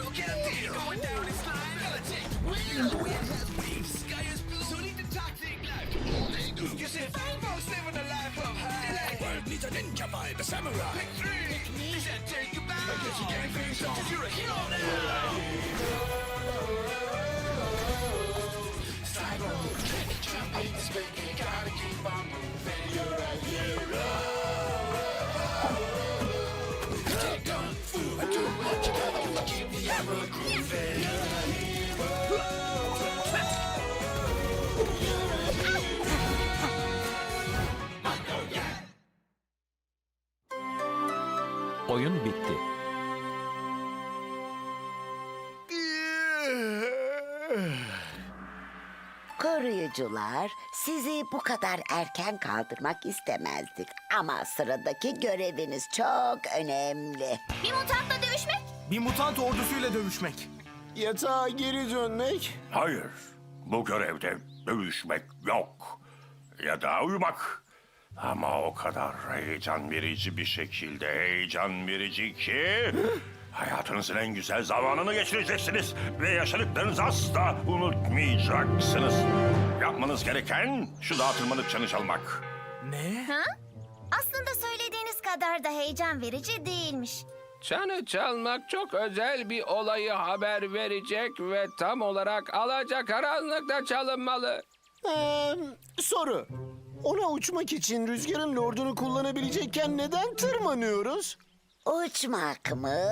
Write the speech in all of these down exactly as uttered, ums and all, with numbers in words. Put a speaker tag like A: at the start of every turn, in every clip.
A: Oyun bitti.
B: Koruyucular, sizi bu kadar erken kaldırmak istemezdik. Ama sıradaki göreviniz çok önemli.
C: Bir mutantla dövüşmek.
D: Bir mutant ordusuyla dövüşmek.
E: Yatağa geri dönmek.
F: Hayır, bu görevde dövüşmek yok. Ya da uyumak. Ama o kadar heyecan verici bir şekilde heyecan verici ki... hayatınızın en güzel zamanını geçireceksiniz. Ve yaşadıklarınızı asla unutmayacaksınız. Yapmanız gereken şu dağa tırmanıp çanı çalmak.
D: Ne?
C: Ha? Aslında söylediğiniz kadar da heyecan verici değilmiş.
G: Çanı çalmak çok özel bir olayı haber verecek ve tam olarak alacakaranlıkta çalınmalı.
E: Ee, soru. Ona uçmak için rüzgarın lordunu kullanabilecekken neden tırmanıyoruz?
B: Uçmak mı?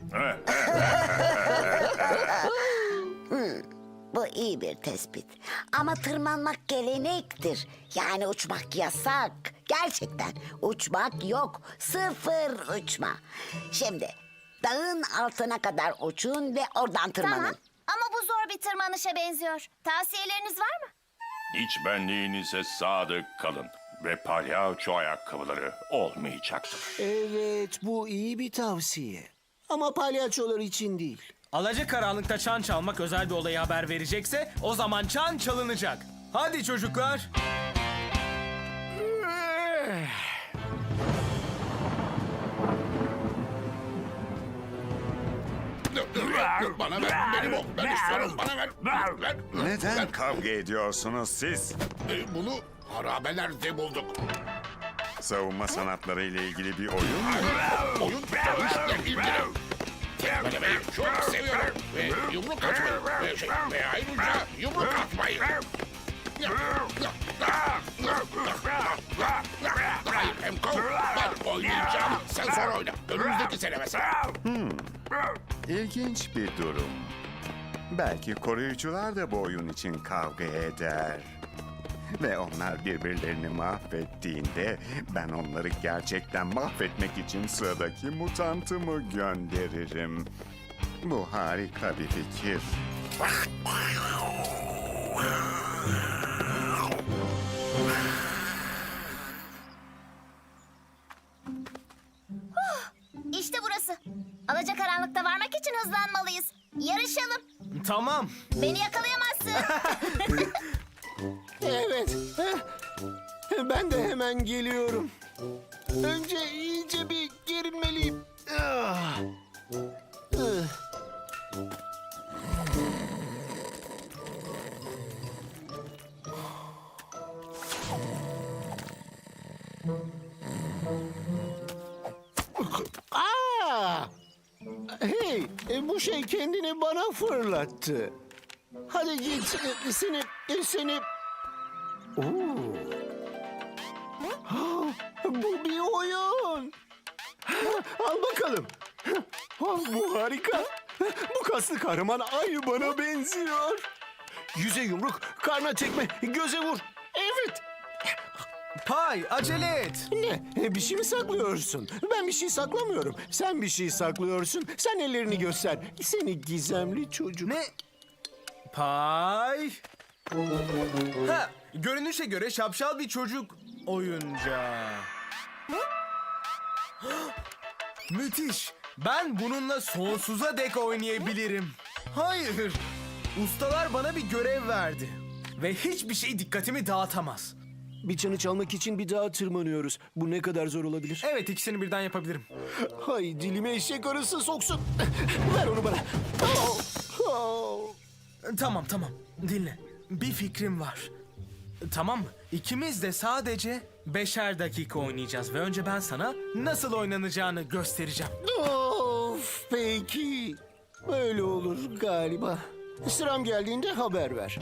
B: Hmm, bu iyi bir tespit. Ama tırmanmak gelenektir. Yani uçmak yasak. Gerçekten uçmak yok. Sıfır uçma. Şimdi dağın altına kadar uçun ve oradan tırmanın.
C: Tamam ama bu zor bir tırmanışa benziyor. Tavsiyeleriniz var mı?
F: İç benliğinize sadık kalın. Ve palyaço ayakkabıları olmayacaktır.
E: Evet, bu iyi bir tavsiye. Ama palyaçolar için değil.
D: Alacakaranlıkta çan çalmak özel bir olayı haber verecekse o zaman çan çalınacak. Hadi çocuklar.
H: Bana ver, benim o. Ben istiyorum, bana ver. ver.
I: Neden kavga ediyorsunuz siz?
H: E, Bunu harabelerde bulduk.
I: Savunma sanatları ile ilgili bir oyun mu?
H: Oyun dövüşle ilgili. Tekmelemeyi çok seviyorum. Ve yumruk atmayı. Ve, şey, ve ayrıca yumruk atmayı. Hayır Emko, ben oynayacağım. Sen sonra oyna. Önümüzdeki sene mesela.
I: İlginç bir durum. Belki koruyucular da bu oyun için kavga eder. Ve onlar birbirlerini mahvettiğinde ben onları gerçekten mahvetmek için sıradaki mutantımı gönderirim. Bu harika bir fikir.
C: İşte burası. Alacakaranlıkta varmak için hızlanmalıyız. Yarışalım.
D: Tamam.
C: Beni yakalayamazsın.
E: Evet. heh. Ben de hemen geliyorum. Önce iyice bir gerilmeliyim. Ah. Ah. Aa! Hey, e, bu şey kendini bana fırlattı. Hadi git, e, seni, e, seni... Oo. Ha, bu bir oyun. Ha, al bakalım. Ha, bu harika. Bu kaslı kahraman aynı bana benziyor. Yüze yumruk, karna tekme, göze vur. Evet.
D: Pay, acele et.
E: Ne? E, Bir şey mi saklıyorsun? Ben bir şey saklamıyorum. Sen bir şey saklıyorsun. Sen ellerini göster. Seni gizemli çocuk.
D: Ne? Pay. Ha, görünüşe göre şapşal bir çocuk oyuncağı. Müthiş. Ben bununla sonsuza dek oynayabilirim. Hayır. Ustalar bana bir görev verdi. Ve hiçbir şey dikkatimi dağıtamaz.
E: Bir çanı çalmak için bir dağa tırmanıyoruz. Bu ne kadar zor olabilir?
D: Evet, ikisini birden yapabilirim.
E: Hay dilime eşek arısı soksun. Ver onu bana. Oh, oh.
D: Tamam tamam, dinle. Bir fikrim var. Tamam mı? İkimiz de sadece beşer dakika oynayacağız ve önce ben sana nasıl oynanacağını göstereceğim.
E: Of, peki. Öyle olur galiba. Sıram geldiğinde haber ver.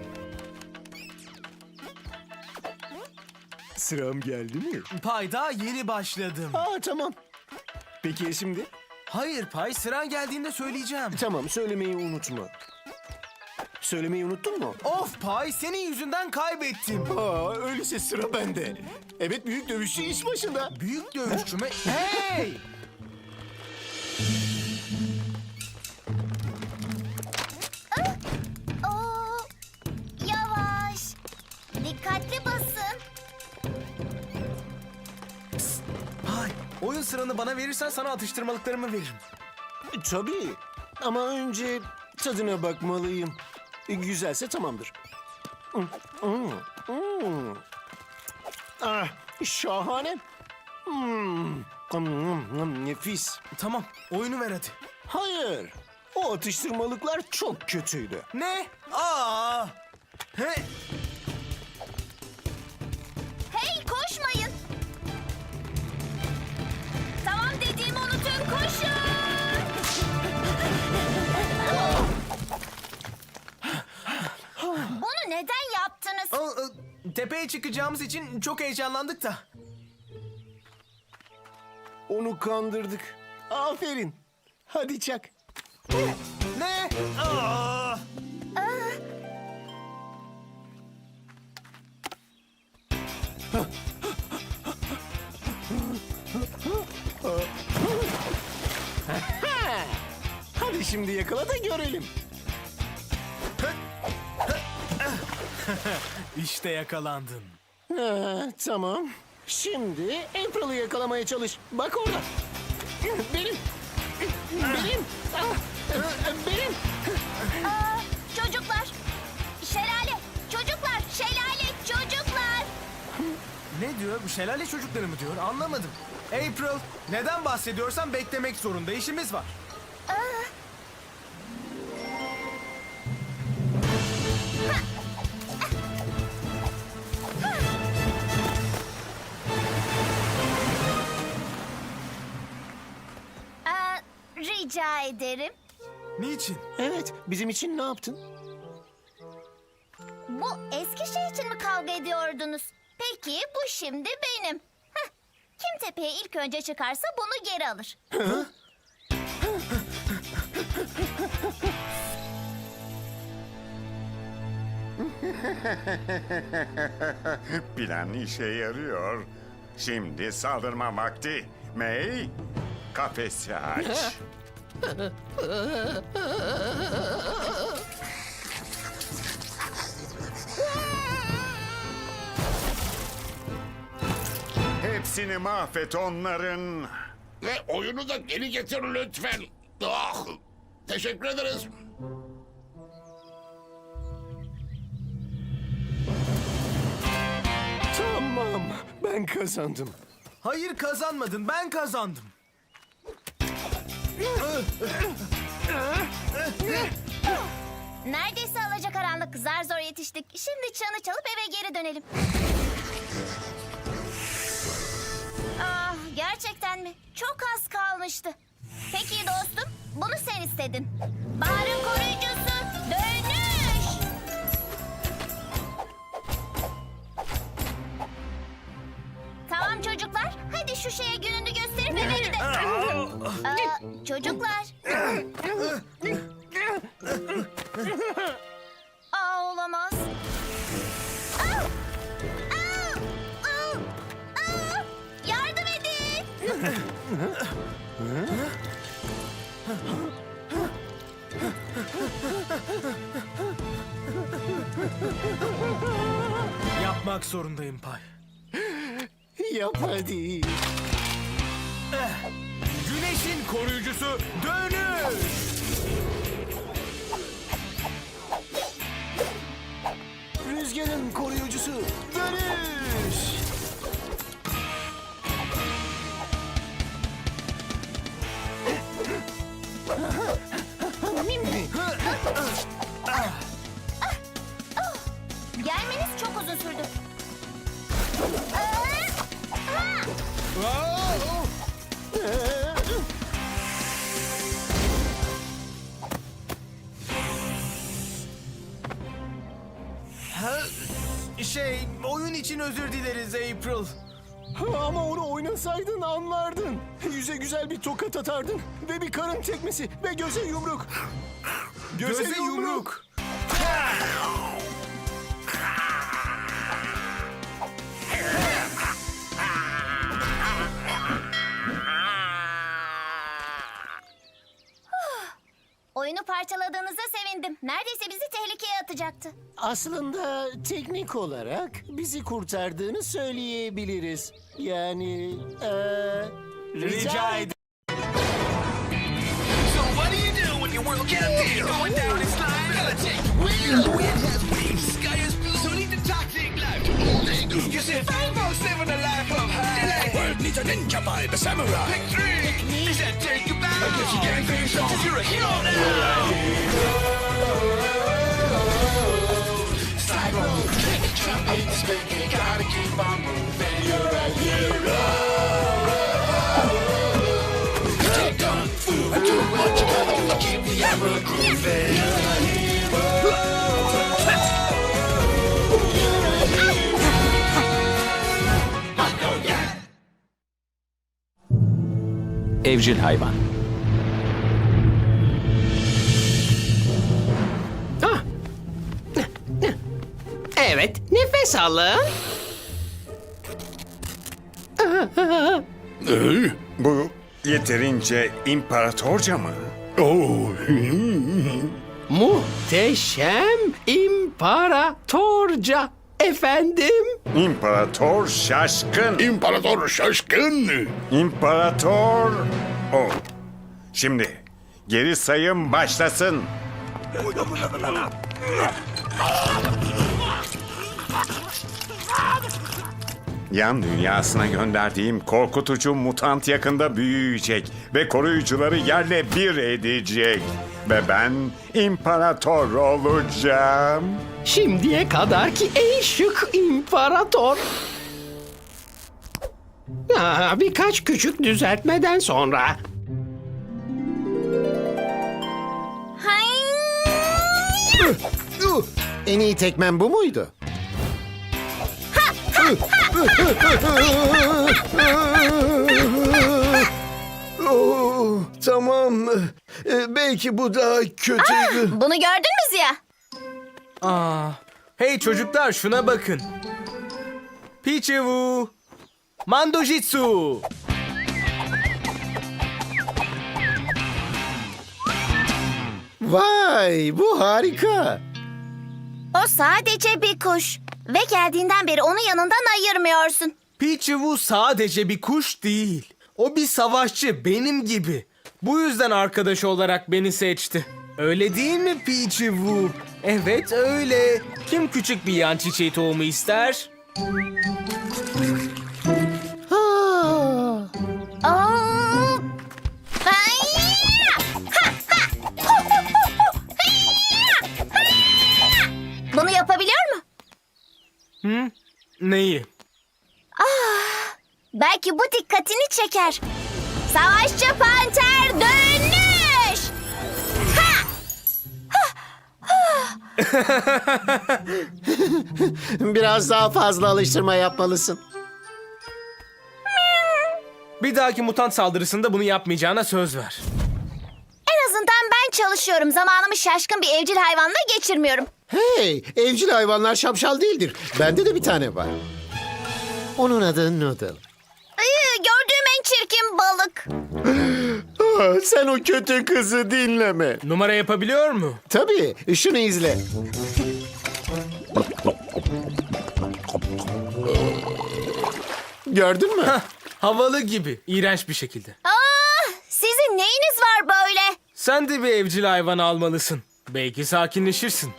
E: Sıram geldi mi?
D: Pay, daha yeni başladım.
E: Aa, tamam. Peki ya şimdi?
D: Hayır Pay, sıran geldiğinde söyleyeceğim.
E: Tamam, söylemeyi unutma. Söylemeyi unuttun mu?
D: Of Pay, senin yüzünden kaybettim.
E: Aa, öyleyse sıra bende. Evet, büyük dövüşçü iş başında.
D: Büyük dövüşçü mü? Hey!
C: Oo, yavaş. Dikkatli basın.
D: Pay, oyun sıranı bana verirsen sana atıştırmalıklarımı veririm.
E: Tabii. Ama önce tadına bakmalıyım. Güzelse tamamdır. Hmm, hmm, hmm. Ah, şahane. Hmm, hmm, hmm, nefis.
D: Tamam, oyunu ver hadi.
E: Hayır. O atıştırmalıklar çok kötüydü.
D: Ne? Aa! He?
C: Hey, koşmayın. Tamam dediğimi unutun, koşun. Bunu neden yaptınız?
D: Aa, e, tepeye çıkacağımız için çok heyecanlandık da.
E: Onu kandırdık. Aferin. Hadi çak.
D: Ne? Aa!
E: Hadi şimdi yakala da görelim.
D: İşte yakalandın.
E: Ha, tamam. Şimdi April'ı yakalamaya çalış. Bak orada. Benim. Benim. Ah, benim.
C: Aa, çocuklar. Şelale. Çocuklar. Şelale. Çocuklar.
D: Ne diyor? Bu şelale çocukları mı diyor? Anlamadım. April, neden bahsediyorsan beklemek zorunda. İşimiz var.
C: Aa, rica ederim.
D: Niçin?
E: Evet, bizim için ne yaptın?
C: Bu eski şey için mi kavga ediyordunuz? Peki bu şimdi benim. Heh, kim tepeye ilk önce çıkarsa bunu geri alır.
I: Plan işe yarıyor. Şimdi saldırma vakti. May, kafesi aç. Hepsini mahvet onların.
H: Ve oyunu da geri getir lütfen. Ah, teşekkür ederiz.
E: Tamam, ben kazandım.
D: Hayır, kazanmadın. Ben kazandım.
C: Neredeyse alacakaranlık, zar zor yetiştik. Şimdi çanı çalıp eve geri dönelim. Ah, gerçekten mi? Çok az kalmıştı. Peki dostum, bunu sen istedin. Baharın koruyucusu, dönüş! Tamam çocuklar, hadi şu şeye gününü gösterip eve gidelim. Aa, çocuklar. Aa, olamaz. Aa! Aa! Aa! Aa! Yardım edin.
D: Yapmak zorundayım Pay.
E: Yap hadi.
D: Güneşin koruyucusu dönüş!
E: Rüzgarın koruyucusu dönüş.
C: Gelmeniz çok uzun sürdü.
D: Şey, oyun için özür dileriz April.
E: Ama onu oynasaydın anlardın. Yüze güzel bir tokat atardın. Ve bir karın tekmesi ve göze yumruk.
D: Göze yumruk.
C: Oyunu parçaladığınıza sevindim. Neredeyse bizi tehlikeye atacaktı.
E: Aslında teknik olarak bizi kurtardığını söyleyebiliriz. Yani eee
D: Rica ederim.
A: Evcil hayvan.
J: Evet, nefes alın.
I: Bu yeterince imparatorca mı?
J: Muhteşem imparatorca efendim.
I: İmparator şaşkın.
H: İmparator şaşkın.
I: İmparator o. Şimdi geri sayım başlasın. Yan dünyasına gönderdiğim korkutucu mutant yakında büyüyecek ve koruyucuları yerle bir edecek. Ve ben imparator olacağım.
J: Şimdiye kadarki en şık imparator. Aa, birkaç küçük düzeltmeden sonra.
E: en iyi tekmen bu muydu? Oh, tamam. Ee, belki bu daha kötüydü.
C: Bunu gördün mü Ziya?
D: Aa, hey çocuklar şuna bakın. Pichivu. Mandojitsu.
E: Vay, bu harika.
C: O sadece bir kuş. Ve geldiğinden beri onu yanından ayırmıyorsun.
D: Pichivu sadece bir kuş değil. O bir savaşçı benim gibi. Bu yüzden arkadaş olarak beni seçti. Öyle değil mi Pichivu? Evet öyle. Kim küçük bir yan çiçeği tohumu ister?
C: Aa! Hayya! Ha, ha! Hu, hu, hu, hu! Hayya! Hayya! Bunu yapabiliyor mu?
D: Hı? Neyi?
C: Belki bu dikkatini çeker. Savaşçı panter dönüş! Ha!
E: Biraz daha fazla alıştırma yapmalısın.
D: Bir dahaki mutant saldırısında bunu yapmayacağına söz ver.
C: En azından ben çalışıyorum. Zamanımı şaşkın bir evcil hayvanla geçirmiyorum.
E: Hey, evcil hayvanlar şapşal değildir. Bende de bir tane var. Onun adı Noodle.
C: Iı, gördüğüm en çirkin balık.
E: Ah, sen o kötü kızı dinleme.
D: Numara yapabiliyor mu?
E: Tabii, şunu izle. Gördün mü?
D: Hah, havalı gibi. İğrenç bir şekilde.
C: Aa, sizin neyiniz var böyle?
D: Sen de bir evcil hayvan almalısın. Belki sakinleşirsin.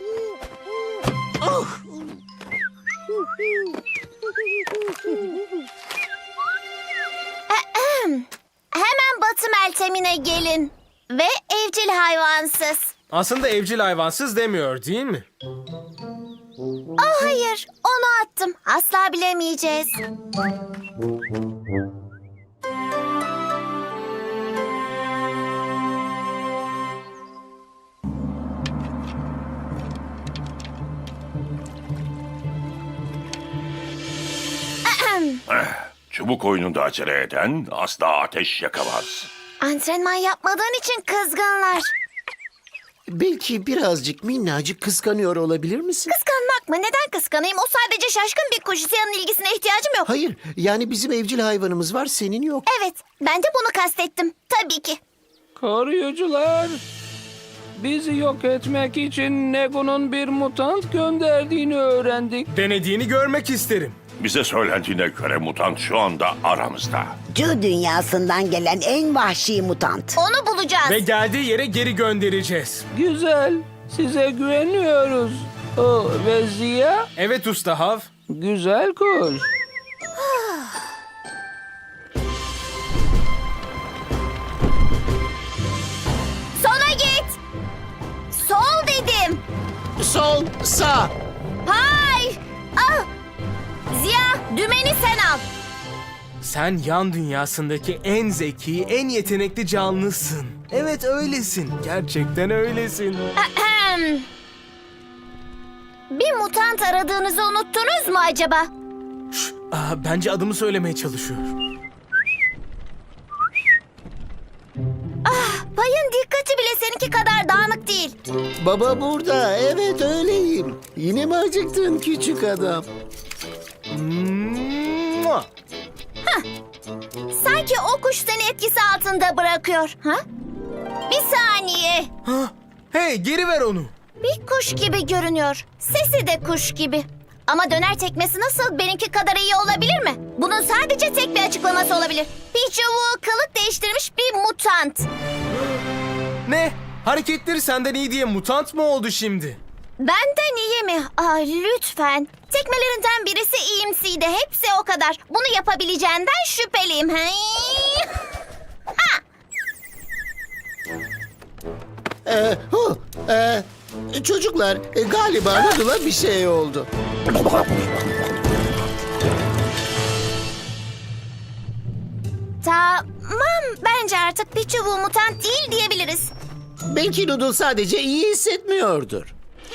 C: Hemen Batı Meltem'ine gelin. Ve evcil hayvansız.
D: Aslında evcil hayvansız demiyor değil mi?
C: Oh hayır, onu attım. Asla bilemeyeceğiz.
F: Çubuk oyununda acele eden asla ateş yakamaz.
C: Antrenman yapmadığın için kızgınlar.
E: Belki birazcık minnacık kıskanıyor olabilir misin?
C: Kıskanmak mı? Neden kıskanayım? O sadece şaşkın bir kuş. Siyah'ın ilgisine ihtiyacım yok.
E: Hayır, yani bizim evcil hayvanımız var, senin yok.
C: Evet, ben de bunu kastettim. Tabii ki.
G: Koruyucular, bizi yok etmek için Nego'nun bir mutant gönderdiğini öğrendik.
D: Denediğini görmek isterim.
F: Bize söylendiğine göre mutant şu anda aramızda.
B: Cu dünyasından gelen en vahşi mutant.
C: Onu bulacağız.
D: Ve geldiği yere geri göndereceğiz.
G: Güzel, size güveniyoruz. O ve Ziya,
D: Evet Usta Hav.
G: güzel kuş.
C: Sola git. Sol dedim.
E: Sol, sağ.
C: Hay. Ah. Ziya, dümeni sen al.
D: Sen yan dünyasındaki en zeki, en yetenekli canlısın. Evet öylesin. Gerçekten öylesin.
C: Ahem. Bir mutant aradığınızı unuttunuz mu acaba?
D: Şş, aa, bence adımı söylemeye çalışıyor.
C: Payın dikkati bile seninki kadar dağınık değil.
E: Baba burada, evet öyleyim. Yine mi acıktın küçük adam?
D: Mua!
C: Sanki o kuş seni etkisi altında bırakıyor. Ha? Bir saniye.
D: Ha, hey geri ver onu.
C: Bir kuş gibi görünüyor. Sesi de kuş gibi. Ama döner tekmesi nasıl benimki kadar iyi olabilir mi? Bunun sadece tek bir açıklaması olabilir. Pichu kılık değiştirmiş bir mutant.
D: Ne? Hareketleri senden iyi diye mutant mı oldu şimdi?
C: Benden iyi mi? Aa, lütfen. Tekmelerinden birisi iyimsiydi. Hepsi o kadar. Bunu yapabileceğinden şüpheliyim. Hey. Ha!
E: Ee, hu, ee, çocuklar, e, galiba Noodle'a bir şey oldu.
C: Tamam. Bence artık Pichu mutant değil diyebiliriz.
E: Belki Noodle sadece iyi hissetmiyordur.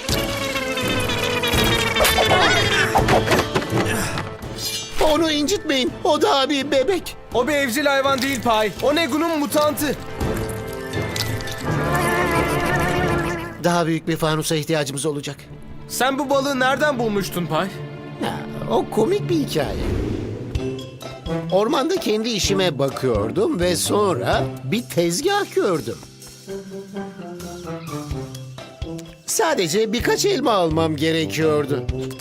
E: Onu incitmeyin, o daha bir bebek.
D: O bir evcil hayvan değil Pay. O Negu'nun mutantı.
E: Daha büyük bir fanusa ihtiyacımız olacak.
D: Sen bu balığı nereden bulmuştun Pay?
E: Ha, o komik bir hikaye. Ormanda kendi işime bakıyordum ve sonra bir tezgah gördüm. Sadece birkaç elma almam gerekiyordu.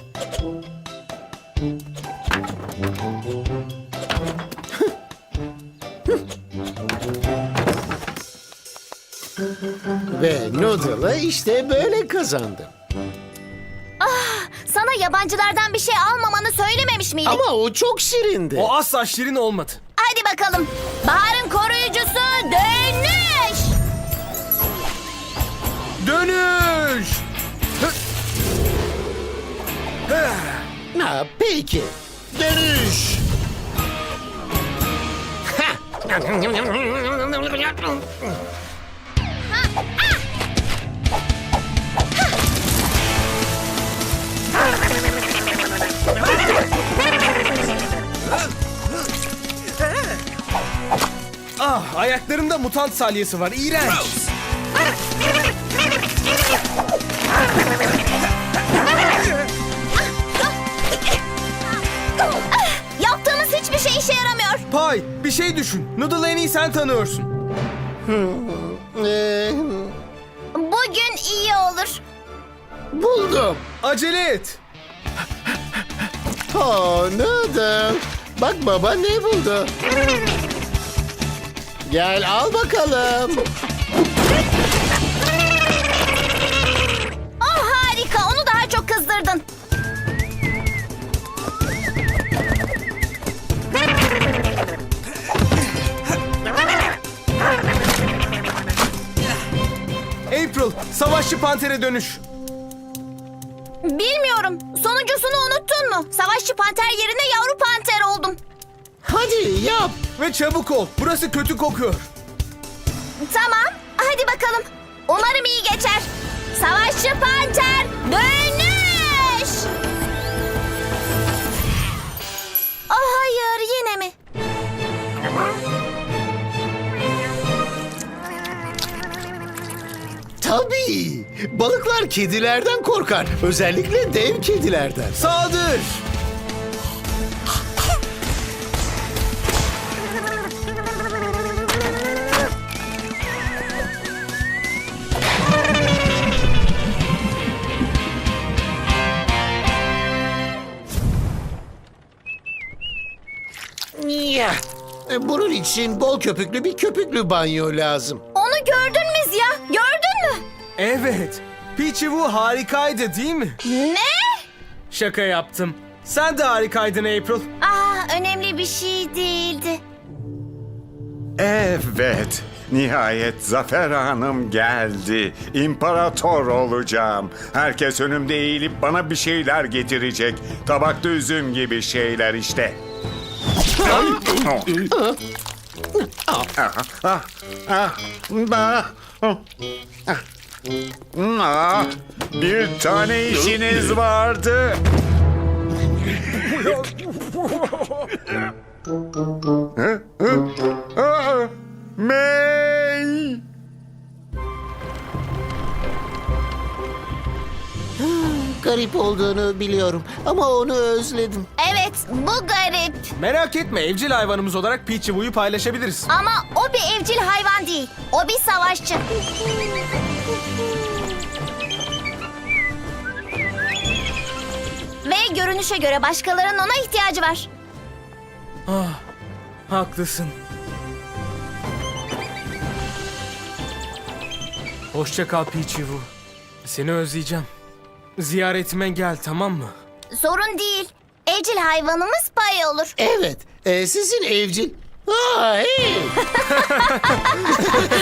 E: Ve Noodle'ı işte böyle kazandım.
C: Sana yabancılardan bir şey almamanı söylememiş miydik?
E: Ama o çok şirindi.
D: O asla şirin olmadı.
C: Hadi bakalım. Bahar'ın koruyucusu dönüş.
D: Dönüş! Hı! Hı!
E: Ha, peki. Dönüş.
D: Ah, ayaklarımda mutant salyası var. İğrenç.
C: Yaptığımız hiçbir şey işe yaramıyor.
D: Pay, bir şey düşün. Noodle'ı en iyi sen tanıyorsun.
E: Ee,
C: Bugün iyi olur.
E: buldum.
D: Acele et.
E: Oh, Noodle. Bak baba ne buldu. Gel al bakalım.
C: Oh harika, onu daha çok kızdırdın.
D: April, savaşçı pantere dönüş.
C: Bilmiyorum. Sonuncusunu unuttun mu? Savaşçı panter yerine yavru panter oldum.
E: Hadi yap.
D: Ve çabuk ol, burası kötü kokuyor.
C: Tamam. Hadi bakalım. Umarım iyi geçer. Savaşçı panter dönüş. Oh hayır, yine mi?
E: Tabii. Balıklar kedilerden korkar. Özellikle dev kedilerden.
D: Saldır!
E: Ya. E, Bunun için bol köpüklü bir köpüklü banyo lazım.
C: Onu gördün mü Ziya? Gördün mü?
D: Evet, Peachy Woo harikaydı değil mi?
C: Ne?
D: Şaka yaptım. Sen de harikaydın April.
C: Aa, önemli bir şey değildi.
I: Evet, nihayet Zafer Hanım geldi. İmparator olacağım. Herkes önümde eğilip bana bir şeyler getirecek. Tabakta üzüm gibi şeyler işte. Ah, ah, ah, bah. Ah, bir tane işiniz vardı. Hı? Hı? Aa, May!
E: Garip olduğunu biliyorum ama onu özledim.
C: Evet, bu garip.
D: Merak etme, evcil hayvanımız olarak Peachy Woo'yu paylaşabiliriz.
C: Ama o bir evcil hayvan değil. O bir savaşçı. Ve görünüşe göre başkalarının ona ihtiyacı var.
D: Ah, haklısın. Hoşça kal Peachy Woo. Seni özleyeceğim. Ziyaretime gel, tamam mı?
C: Sorun değil. Evcil hayvanımız pay olur.
E: Evet, e, sizin evcil... Aa, hey!